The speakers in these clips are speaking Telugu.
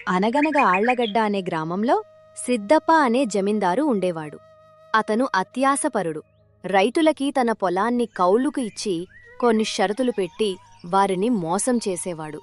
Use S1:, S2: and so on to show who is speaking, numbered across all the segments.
S1: అనగనగా ఆళ్లగడ్డ అనే గ్రామంలో సిద్దప్ప అనే జమీందారు ఉండేవాడు. అతను అత్యాసపరుడు. రైతులకి తన పొలాన్ని కౌలుకు ఇచ్చి కొన్ని షరతులు పెట్టి వారిని మోసం చేసేవాడు.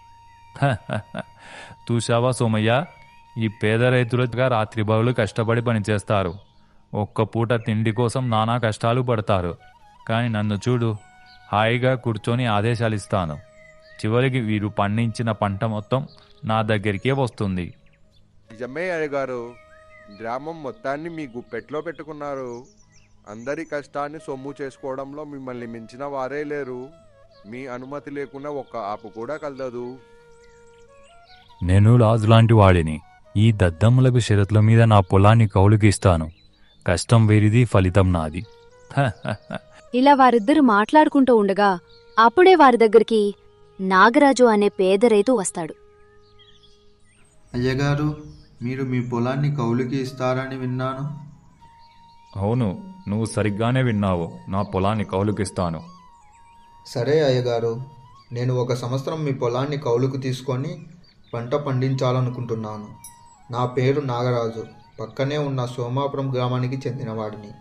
S2: చూశావా సోమయ్య, ఈ పేద రైతులుగా రాత్రిబౌలు కష్టపడి పనిచేస్తారు. ఒక్క పూట తిండి కోసం నానా కష్టాలు పడతారు. కానీ నన్ను చూడు, హాయిగా కూర్చొని ఆదేశాలిస్తాను. చివరికి వీరు పండించిన పంట మొత్తం నా దగ్గరికే వస్తుంది.
S3: నిజమే అయ్యగారు, గ్రామం మొత్తాన్ని మీ గుప్పెట్లో పెట్టుకున్నారు. అందరి కష్టాన్ని సొమ్ము చేసుకోవడంలో మిమ్మల్ని మించిన వారే లేరు. మీ అనుమతి లేకుండా ఒక్క ఆపు కూడా కలదు.
S2: నేను రాజులాంటి వాడిని. ఈ దద్దమ్మలకు షరతుల మీద నా పొలాన్ని కౌలుకి ఇస్తాను. కష్టం వేరిది, ఫలితం నాది.
S1: ఇలా వారిద్దరూ మాట్లాడుకుంటూ ఉండగా అప్పుడే వారి దగ్గరికి నాగరాజు అనే పేద రైతు వస్తాడు.
S4: అయ్యగారు, మీరు మీ పొలాన్ని కౌలుకి ఇస్తారని విన్నాను.
S2: అవును, నువ్వు సరిగ్గానే విన్నావు. నా పొలాన్ని కౌలుకిస్తాను.
S4: సరే అయ్యగారు, నేను 1 సంవత్సరం మీ పొలాన్ని కౌలుకు తీసుకొని పంట పండించాలనుకుంటున్నాను. నా పేరు నాగరాజు. పక్కనే ఉన్న సోమాపురం గ్రామానికి చెందినవాడిని.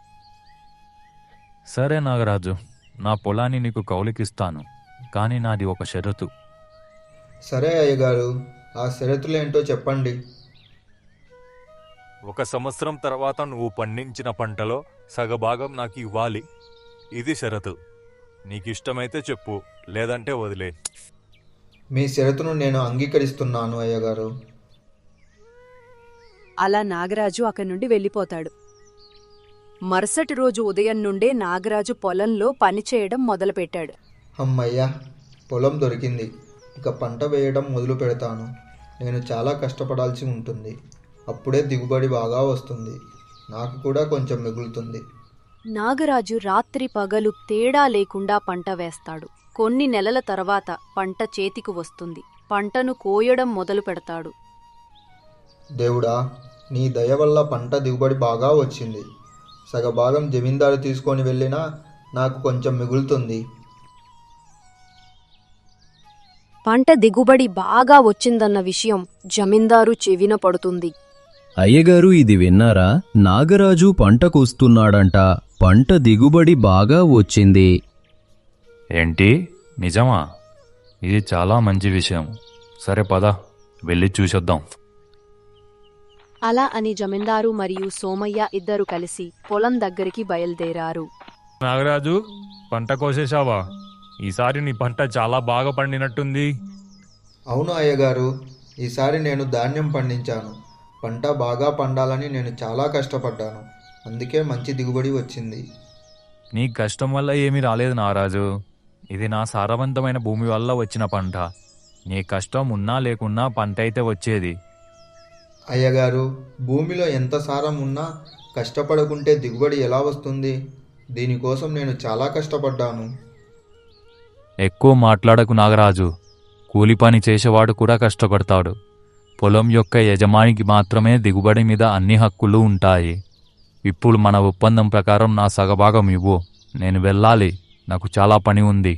S2: సరే నాగరాజు, నా పొలాన్ని నీకు కౌలుకిస్తాను. కానీ నాది ఒక షరతు.
S4: సరే అయ్యగారు, ఆ షరతులేంటో చెప్పండి.
S2: 1 సంవత్సరం తర్వాత నువ్వు పండించిన పంటలో సగభాగం నాకు ఇవ్వాలి. ఇది షరతు. నీకిష్టమైతే చెప్పు, లేదంటే వదిలే.
S4: మీ షరతును నేను అంగీకరిస్తున్నాను అయ్యగారు.
S5: అలా నాగరాజు అక్కడి నుండి వెళ్ళిపోతాడు. మరుసటి రోజు ఉదయం నుండే నాగరాజు పొలంలో పనిచేయడం మొదలుపెట్టాడు.
S4: అమ్మయ్యా, పొలం దొరికింది. ఇక పంట వేయడం మొదలు పెడతాను. నేను చాలా కష్టపడాల్సి ఉంటుంది. అప్పుడే దిగుబడి బాగా వస్తుంది. నాకు కూడా కొంచెం మిగులుతుంది.
S1: నాగరాజు రాత్రి పగలు తేడా లేకుండా పంట వేస్తాడు. కొన్ని నెలల తర్వాత పంట చేతికి వస్తుంది. పంటను కోయడం మొదలు పెడతాడు.
S4: దేవుడా, నీ దయ వల్ల పంట దిగుబడి బాగా వచ్చింది. సగభాగం జమీందారు తీసుకొని వెళ్ళినా నాకు కొంచెం మిగులుతుంది.
S1: పంట దిగుబడి బాగా వచ్చిందన్న విషయం జమీందారు చెవిన పడుతుంది.
S6: అయ్యగారు, ఇది విన్నారా? నాగరాజు పంట కోస్తున్నాడంట. పంట దిగుబడి బాగా వచ్చింది.
S2: ఏంటి, నిజమా? ఇది చాలా మంచి విషయం. సరే పద, వెళ్ళి చూసొద్దాం.
S1: అలా అని జమీందారు మరియు సోమయ్య ఇద్దరు కలిసి పొలం దగ్గరికి బయలుదేరారు.
S2: నాగరాజు, పంట కోసేశావా? ఈసారి నీ పంట చాలా బాగా పండినట్టుంది.
S4: అవును అయ్యగారు, ఈసారి నేను ధాన్యం పండించాను. పంట బాగా పండాలని నేను చాలా కష్టపడ్డాను. అందుకే మంచి దిగుబడి వచ్చింది.
S2: నీ కష్టం వల్ల ఏమీ రాలేదు నాగరాజు. ఇది నా సారవంతమైన భూమి వల్ల వచ్చిన పంట. నీ కష్టం ఉన్నా లేకున్నా పంట అయితే వచ్చేది.
S4: అయ్యగారు, భూమిలో ఎంత సారం ఉన్నా కష్టపడకుంటే దిగుబడి ఎలా వస్తుంది? దీనికోసం నేను చాలా కష్టపడ్డాను.
S2: ఎక్కువ మాట్లాడకు నాగరాజు. కూలి పని చేసేవాడు కూడా కష్టపడతాడు. పొలం యొక్క యజమానికి మాత్రమే దిగుబడి మీద అన్ని హక్కులు ఉంటాయి. ఇప్పుడు మన ఒప్పందం ప్రకారం నా సగభాగం ఇవ్వు. నేను వెళ్ళాలి, నాకు చాలా పని ఉంది.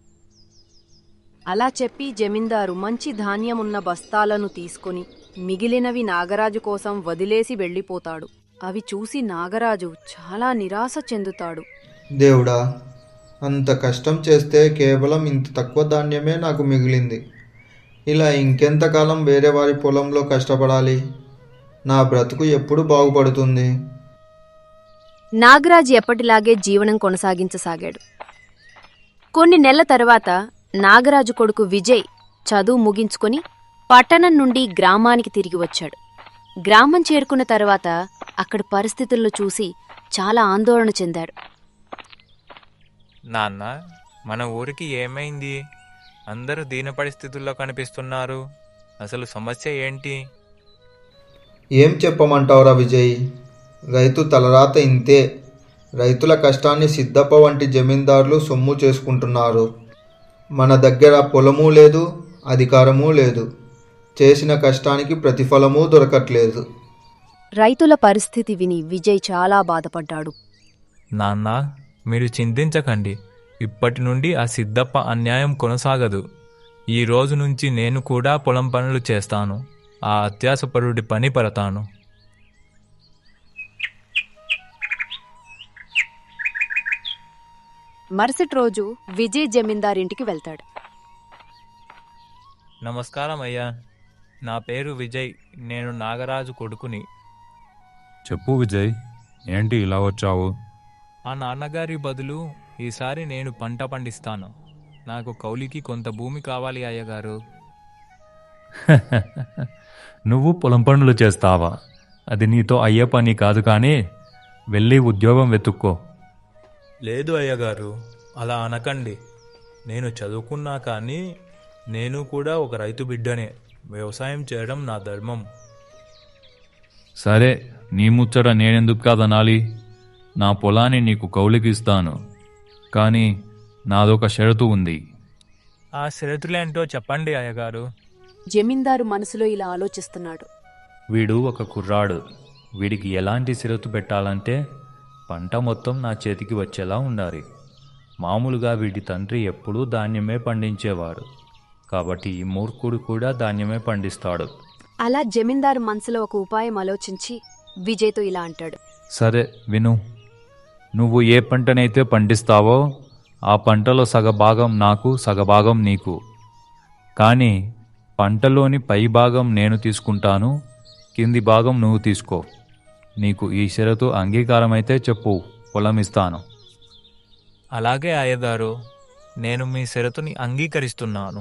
S1: అలా చెప్పి జమీందారు మంచి ధాన్యమున్న బస్తాలను తీసుకుని మిగిలినవి నాగరాజు కోసం వదిలేసి వెళ్ళిపోతాడు. అవి చూసి నాగరాజు చాలా నిరాశ చెందుతాడు.
S4: దేవుడా, అంత కష్టం చేస్తే కేవలం ఇంత తక్కువ ధాన్యమే నాకు మిగిలింది. ఇలా ఇంకెంతకాలం వేరే వారి పొలంలో కష్టపడాలి? నా బ్రతుకు ఎప్పుడు బాగుపడుతుంది?
S1: నాగరాజు ఎప్పటిలాగే జీవనం కొనసాగించసాగాడు. కొన్ని నెలల తర్వాత నాగరాజు కొడుకు విజయ్ చదువు ముగించుకొని పట్టణం నుండి గ్రామానికి తిరిగి వచ్చాడు. గ్రామం చేరుకున్న తర్వాత అక్కడి పరిస్థితులను చూసి చాలా ఆందోళన చెందాడు.
S7: నాన్న, మన ఊరికి ఏమైంది? అందరూ దీన పరిస్థితుల్లో కనిపిస్తున్నారు. అసలు సమస్య ఏంటి?
S4: ఏం చెప్పమంటావురా విజయ్? రైతు తలరాత ఇంతే. రైతుల కష్టాన్ని సిద్దప్ప వంటి జమీందారులు సొమ్ము చేసుకుంటున్నారు. మన దగ్గర పొలమూ లేదు, అధికారమూ లేదు. చేసిన కష్టానికి ప్రతిఫలమూ దొరకట్లేదు.
S1: రైతుల పరిస్థితి విని విజయ్ చాలా బాధపడ్డాడు.
S7: నాన్న, మీరు చింతించకండి. ఇప్పటి నుండి ఆ సిద్దప్ప అన్యాయం కొనసాగదు. ఈ రోజు నుంచి నేను కూడా పొలం పనులు చేస్తాను. ఆ అత్యాసపరుడి పని పడతాను.
S5: మరుసటి రోజు విజయ్ జమీందారింటికి వెళ్తాడు.
S7: నమస్కారం అయ్యా, నా పేరు విజయ్, నేను నాగరాజు కొడుకుని.
S2: చెప్పు విజయ్, ఏంటి ఇలా వచ్చావు?
S7: ఆ నాన్నగారి బదులు ఈసారి నేను పంట పండిస్తాను. నాకు కౌలికి కొంత భూమి కావాలి అయ్యగారు.
S2: నువ్వు పొలం పనులు చేస్తావా? అది నీతో అయ్యే పని కాదు, కానీ వెళ్ళి ఉద్యోగం వెతుక్కో.
S7: లేదు అయ్యగారు, అలా అనకండి. నేను చదువుకున్నా కానీ నేను కూడా ఒక రైతు బిడ్డనే. వ్యవసాయం చేయడం నా ధర్మం.
S2: సరే, నీ ముచ్చట నేనెందుకు కాదనాలి? నా పొలాన్ని నీకు కౌలుకి ఇస్తాను, కానీ నాదొక షరతు ఉంది.
S7: ఆ షరతులేంటో చెప్పండి అయ్యగారు.
S5: జమీందారు మనసులో ఇలా ఆలోచిస్తున్నాడు.
S2: వీడు ఒక కుర్రాడు. వీడికి ఎలాంటి షరతు పెట్టాలంటే పంట మొత్తం నా చేతికి వచ్చేలా ఉండాలి. మామూలుగా వీడి తండ్రి ఎప్పుడూ ధాన్యమే పండించేవాడు, కాబట్టి ఈ మూర్ఖుడు కూడా ధాన్యమే పండిస్తాడు.
S5: అలా జమీందారు మనసులో ఒక ఉపాయం ఆలోచించి విజయ్తో ఇలా అంటాడు.
S2: సరే విను, నువ్వు ఏ పంటనైతే పండిస్తావో ఆ పంటలో సగభాగం నాకు, సగభాగం నీకు. కానీ పంటలోని పై భాగం నేను తీసుకుంటాను, కింది భాగం నువ్వు తీసుకో. నీకు ఈ షరతు అంగీకారమైతే చెప్పు, పొలం ఇస్తాను.
S7: అలాగే అయ్యగారు, నేను మీ షరతుని అంగీకరిస్తున్నాను.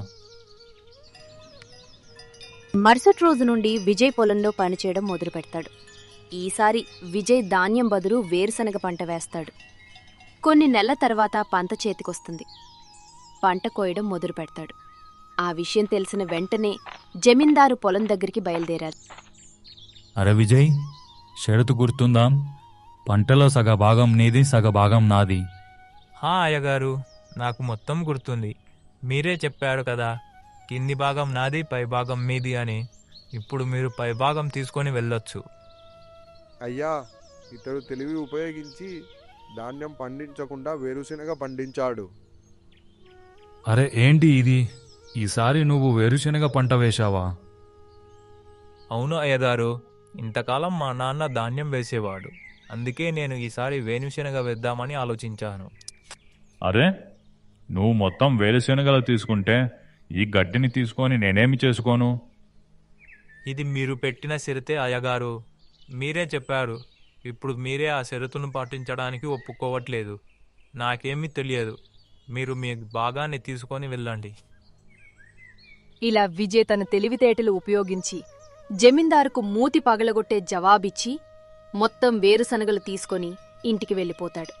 S1: మరుసటి రోజు నుండి విజయ్ పొలంలో పనిచేయడం మొదలు పెడతాడు. ఈసారి విజయ్ ధాన్యం బదులు వేరుశనగ పంట వేస్తాడు. కొన్ని నెలల తర్వాత పంట చేతికొస్తుంది. పంట కోయడం మొదలు పెడతాడు. ఆ విషయం తెలిసిన వెంటనే జమీందారు పొలం దగ్గరికి బయలుదేరారు.
S2: అరే విజయ్, షరతు గుర్తుందా? పంటలో సగభాగం నీది, సగభాగం నాది.
S7: అయ్యగారు, నాకు మొత్తం గుర్తుంది. మీరే చెప్పారు కదా, కింది భాగం నాది, పై భాగం మీది అని. ఇప్పుడు మీరు పై భాగం తీసుకొని వెళ్ళొచ్చు.
S3: అయ్యా, ఇతడు తెలివి ఉపయోగించి ధాన్యం పండించకుండా వేరుశెనగ పండించాడు.
S2: అరే ఏంటి ఇది? ఈసారి నువ్వు వేరుశెనగ పంట వేశావా?
S7: అవును అయ్యగారు, ఇంతకాలం మా నాన్న ధాన్యం వేసేవాడు. అందుకే నేను ఈసారి వేరుశెనగ వేద్దామని ఆలోచించాను.
S2: అరే, నువ్వు మొత్తం వేరుశెనగలు తీసుకుంటే ఈ గడ్డిని తీసుకొని నేనేమి చేసుకోను?
S7: ఇది మీరు పెట్టిన షరతే అయ్యగారు. మీరే చెప్పారు. ఇప్పుడు మీరే ఆ షరతును పాటించడానికి ఒప్పుకోవట్లేదు. నాకేమీ తెలియదు. మీరు మీ భాగాన్ని తీసుకొని వెళ్ళండి.
S5: ఇలా విజయ్ తన తెలివితేటలు ఉపయోగించి జమీందారుకు మూతి పగలగొట్టే జవాబిచ్చి మొత్తం వేరుశనగలు తీసుకొని ఇంటికి వెళ్ళిపోతాడు.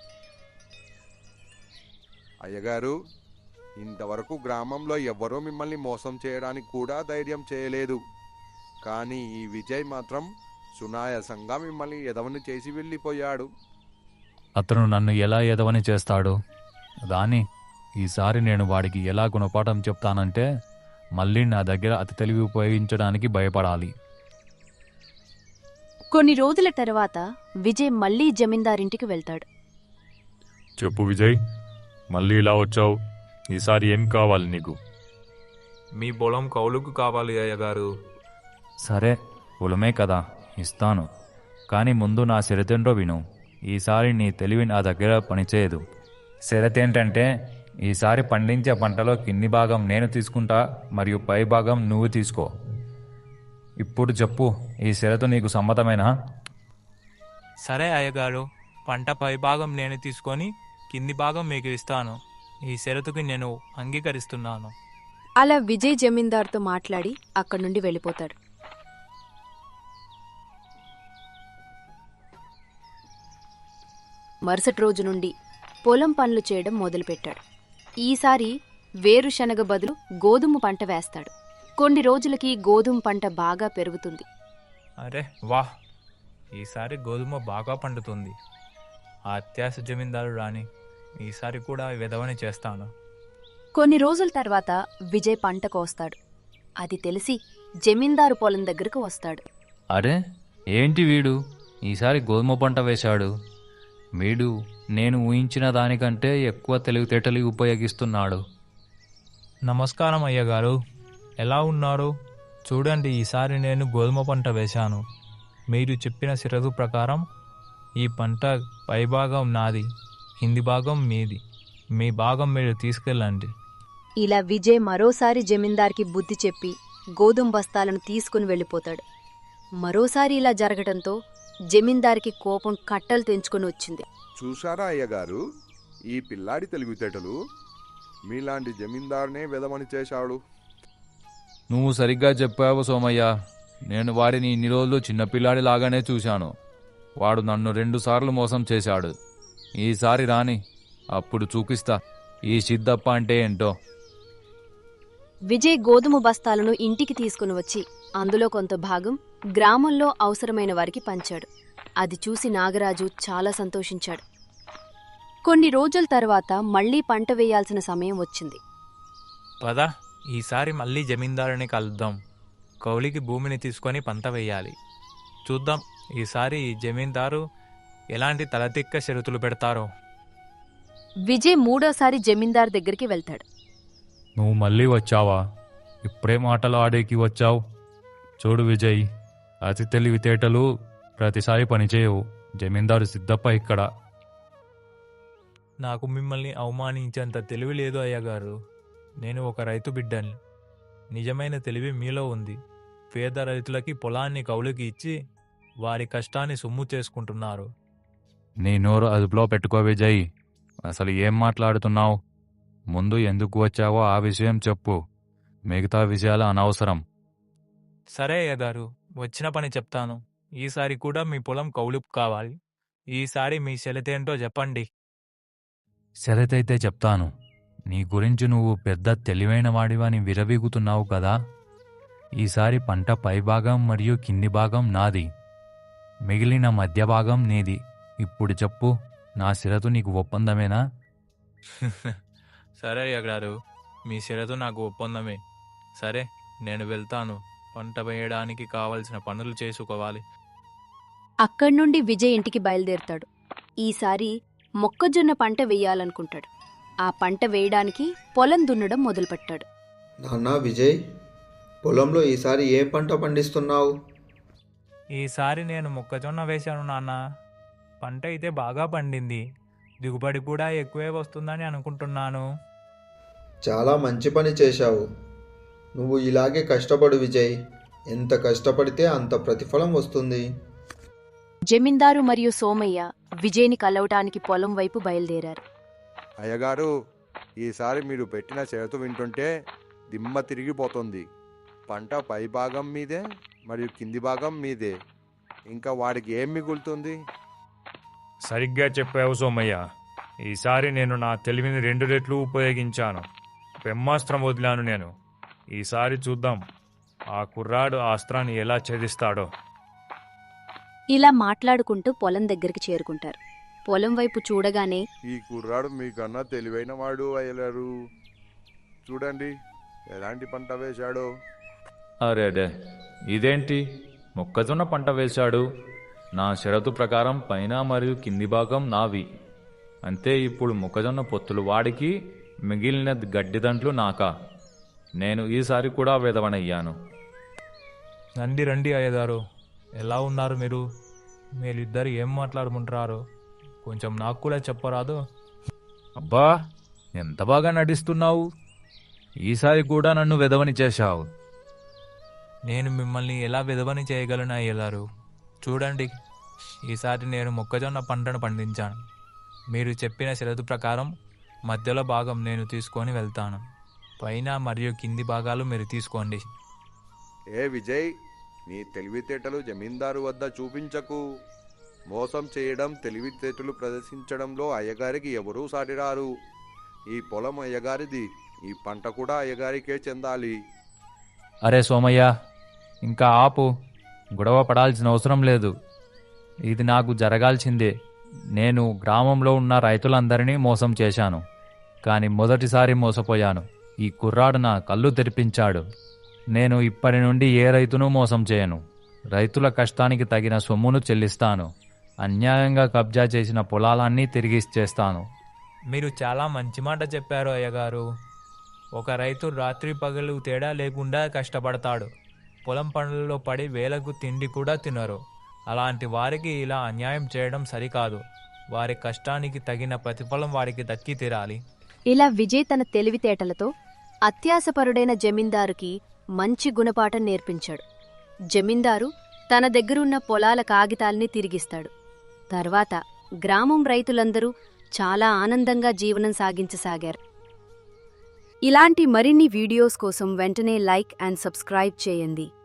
S3: అయ్యగారు, ఇంతవరకు గ్రామంలో ఎవ్వరూ మిమ్మల్ని మోసం చేయడానికి కూడా ధైర్యం చేయలేదు. కానీ ఈ విజయ్ మాత్రం సునాయాసంగా మిమ్మల్ని ఎదవని చేసి వెళ్ళిపోయాడు.
S2: అతను నన్ను ఎలా ఎదవని చేస్తాడు? దాని ఈసారి నేను వాడికి ఎలా గుణపాఠం చెప్తానంటే మళ్ళీ నా దగ్గర అతి తెలివి ఉపయోగించడానికి భయపడాలి.
S1: కొన్ని రోజుల తర్వాత విజయ్ మళ్లీ జమీందారింటికి వెళ్తాడు.
S2: చెప్పు విజయ్, మళ్ళీ ఇలా వచ్చావు. ఈసారి ఏం కావాలి నీకు?
S7: మీ పొలం కౌలుకు కావాలి అయ్యగారు.
S2: సరే, పొలమే కదా, ఇస్తాను. కానీ ముందు నా షరతేంటో విను. ఈసారి నీ తెలివి నా దగ్గర పనిచేయదు. షరతేంటంటే ఈసారి పండించే పంటలో కింది భాగం నేను తీసుకుంటా, మరియు పై భాగం నువ్వు తీసుకో. ఇప్పుడు చెప్పు, ఈ షరతు నీకు సమ్మతమేనా?
S7: సరే అయ్యగారు, పంట పై భాగం నేను తీసుకొని కింది భాగం మీకు ఇస్తాను. ఈ షరతుకి నేను అంగీకరిస్తున్నాను.
S5: అలా విజయ్ జమీందార్తో మాట్లాడి అక్కడి నుండి వెళ్ళిపోతాడు.
S1: మరుసటి రోజు నుండి పొలం పనులు చేయడం మొదలుపెట్టాడు. ఈసారి వేరుశనగ బదులు గోధుమ పంట వేస్తాడు. కొన్ని రోజులకి గోధుమ పంట బాగా పెరుగుతుంది.
S7: అరే వాహ్, ఈసారి గోధుమ బాగా పండుతుంది. ఆ అత్యాశ జమీందారు రాని ఈసారి కూడా విధవని చేస్తాను.
S1: కొన్ని రోజుల తర్వాత విజయ్ పంట కోస్తాడు. అది తెలిసి జమీందారు పొలం దగ్గరకు వస్తాడు.
S2: అరే ఏంటి వీడు ఈసారి గోధుమ పంట వేశాడు? వీడు నేను ఊహించిన దానికంటే ఎక్కువ తెలివితేటలు ఉపయోగిస్తున్నాడు.
S7: నమస్కారం అయ్యగారు, ఎలా ఉన్నారు? చూడండి, ఈసారి నేను గోధుమ పంట వేశాను. మీరు చెప్పిన షరతు ప్రకారం ఈ పంట పైభాగం నాది, కింది భాగం మీది. మీ భాగం మీరు తీసుకెళ్ళండి.
S1: ఇలా విజయ్ మరోసారి జమీందార్కి బుద్ధి చెప్పి గోధుమ బస్తాలను తీసుకుని వెళ్ళిపోతాడు. మరోసారి ఇలా జరగటంతో జమీందార్కి కోపం కట్టలు తెంచుకొని వచ్చింది.
S3: చూసారా అయ్యగారు, ఈ పిల్లాడి తెలివితేటలు! మీలాంటి జమీందారునే వెదమని చేశాడు.
S2: నువ్వు సరిగ్గా చెప్పావు సోమయ్య. నేను వాడిని ఇన్ని రోజులు చిన్నపిల్లాడి లాగానే చూశాను. వాడు నన్ను 2 సార్లు మోసం చేశాడు. ఈసారి రాని, అప్పుడు చూపిస్తా ఈ సిద్ధప్ప అంటే ఏంటో.
S1: విజయ్ గోధుమ బస్తాలను ఇంటికి తీసుకుని వచ్చి అందులో కొంత భాగం గ్రామంలో అవసరమైన వారికి పంచాడు. అది చూసి నాగరాజు చాలా సంతోషించాడు. కొన్ని రోజుల తర్వాత మళ్లీ పంట వేయాల్సిన సమయం వచ్చింది.
S7: పద, ఈసారి మళ్ళీ జమీందారుని కలుద్దాం. కౌలికి భూమిని తీసుకొని పంట వేయాలి. చూద్దాం ఈసారి ఈ జమీందారు ఎలాంటి తలతిక్క షరతులు పెడతారో.
S1: విజయ్ మూడోసారి జమీందార్ దగ్గరికి వెళ్తాడు.
S2: నువ్వు మళ్ళీ వచ్చావా? ఇప్పుడే మాటలు ఆడేకి వచ్చావు. చూడు విజయ్, అతి తెలివితేటలు ప్రతిసారి పనిచేయవు. జమీందారు సిద్ధప్ప ఇక్కడ.
S7: నాకు మిమ్మల్ని అవమానించేంత తెలివి లేదు అయ్యగారు. నేను ఒక రైతు బిడ్డని. నిజమైన తెలివి మీలో ఉంది. పేద రైతులకి పొలాన్ని కౌలుకి ఇచ్చి వారి కష్టాన్ని సొమ్ము చేసుకుంటున్నారు.
S2: నీ నోరు అదుపులో పెట్టుకో విజయ్. అసలు ఏం మాట్లాడుతున్నావు? ముందు ఎందుకు వచ్చావో ఆ విషయం చెప్పు. మిగతా విషయాలు అనవసరం.
S7: సరే అయ్యగారు, వచ్చిన పని చెప్తాను. ఈసారి కూడా మీ పొలం కౌలుకు కావాలి. ఈసారి మీ షరతేంటో చెప్పండి.
S2: సరేతైతే చెప్తాను. నీ గురించి నువ్వు పెద్ద తెలివైన వాడివని విరవీగుతున్నావు కదా. ఈసారి పంట పైభాగం మరియు కింది భాగం నాది, మిగిలిన మధ్య భాగం నీది. ఇప్పుడు చెప్పు, నా షరతు నీకు ఒప్పందమేనా?
S7: సరే అయ్యగారు, మీ షరతు నాకు ఒప్పందమే. సరే, నేను వెళ్తాను. పంట వేయడానికి కావలసిన పనులు చేసుకోవాలి.
S1: అక్కడ్నుండి విజయ్ ఇంటికి బయలుదేరుతాడు. ఈసారి మొక్కజొన్న పంట వెయ్యాలనుకుంటాడు. ఆ పంట వేయడానికి పొలం దున్నడం మొదలుపెట్టాడు.
S4: నాన్నా విజయ్, పొలంలో ఈసారి ఏ పంట పండిస్తున్నావు?
S7: ఈసారి నేను మొక్కజొన్న వేశాను నాన్న. పంట అయితే బాగా పండింది. దిగుబడి కూడా ఎక్కువే వస్తుందని అనుకుంటున్నాను.
S4: చాలా మంచి పని చేశావు. నువ్వు ఇలాగే కష్టపడు విజయ్. ఎంత కష్టపడితే అంత ప్రతిఫలం వస్తుంది.
S1: జమీందారు మరియు సోమయ్య విజయ్ని కలవటానికి పొలం వైపు బయలుదేరారు.
S3: అయ్యగారు, ఈసారి మీరు పెట్టిన షరతు వింటుంటే దిమ్మ తిరిగిపోతుంది. పంట పై భాగం మీదే మరియు కింది భాగం మీదే. ఇంకా వాడికి ఏం మిగులుతుంది?
S2: సరిగ్గా చెప్పావు సోమయ్య. ఈసారి నేను నా తెలివిని 2 రెట్లు ఉపయోగించాను. బ్రహ్మాస్త్రం వదిలాను నేను. ఈసారి చూద్దాం ఆ కుర్రాడు ఆ అస్త్రాన్ని ఎలా ఛేదిస్తాడో.
S1: ఇలా మాట్లాడుకుంటూ పొలం దగ్గరికి చేరుకుంటారు. పొలం వైపు చూడగానే
S3: ఈ కుర్రాడు మీకన్నా తెలివైన వాడు అయ్యగారు. చూడండి ఎలాంటి పంట వేశాడో.
S2: అరేడే, ఇదేంటి? మొక్కజొన్న పంట వేశాడు. నా షరతు ప్రకారం పైన మరియు కింది భాగం నావి. అంతే, ఇప్పుడు మొక్కజొన్న పొత్తులు వాడికి, మిగిలిన గడ్డిదంట్లు నాకా. నేను ఈసారి కూడా వెదవనయ్యాను.
S7: రండి రండి అయ్యగారు, ఎలా ఉన్నారు మీరు? మీరిద్దరు ఏం మాట్లాడుకుంటున్నారు? కొంచెం నాకు కూడా చెప్పరాదు?
S2: అబ్బా, ఎంత బాగా నటిస్తున్నావు. ఈసారి కూడా నన్ను వెదవని చేశావు.
S7: నేను మిమ్మల్ని ఎలా విధవని చేయగలను అయ్యగారు? చూడండి, ఈసారి నేను మొక్కజొన్న పంటను పండించాను. మీరు చెప్పిన షరతు ప్రకారం మధ్యలో భాగం నేను తీసుకొని వెళ్తాను. పైన మరియు కింది భాగాలు మీరు తీసుకోండి.
S3: ఏ విజయ్, నీ తెలివితేటలు జమీందారు వద్ద చూపించకు. మోసం చేయడం, తెలివితేటలు ప్రదర్శించడంలో అయ్యగారికి ఎవరూ సాటిరారు. ఈ పొలం అయ్యగారిది. ఈ పంట కూడా అయ్యగారికే చెందాలి.
S2: అరే సోమయ్య, ఇంకా ఆపు. గొడవ పడాల్సిన అవసరం లేదు. ఇది నాకు జరగాల్సిందే. నేను గ్రామంలో ఉన్న రైతులందరినీ మోసం చేశాను. కానీ మొదటిసారి మోసపోయాను. ఈ కుర్రాడు నా కళ్ళు తెరిపించాడు. నేను ఇప్పటి నుండి ఏ రైతును మోసం చేయను. రైతుల కష్టానికి తగిన సొమ్మును చెల్లిస్తాను. అన్యాయంగా కబ్జా చేసిన పొలాలన్నీ తిరిగి ఇచ్చేస్తాను.
S7: మీరు చాలా మంచి మాట చెప్పారు అయ్యగారు. ఒక రైతు రాత్రి పగలు తేడా లేకుండా కష్టపడతాడు. పొలం పనుల్లో పడి వేలకు తిండి కూడా తినరు. అలాంటి వారికి ఇలా అన్యాయం చేయడం సరికాదు. వారి కష్టానికి తగిన ప్రతిఫలం వారికి దక్కి తీరాలి.
S1: ఇలా విజయ్ తన తెలివితేటలతో అత్యాసపరుడైన జమీందారుకి మంచి గుణపాఠం నేర్పించాడు. జమీందారు తన దగ్గరున్న పొలాల కాగితాల్ని తిరిగిస్తాడు. తర్వాత గ్రామం రైతులందరూ చాలా ఆనందంగా జీవనం సాగించసాగారు. ఇలాంటి మరిన్ని వీడియోస్ కోసం వెంటనే లైక్ అండ్ సబ్స్క్రైబ్ చేయండి.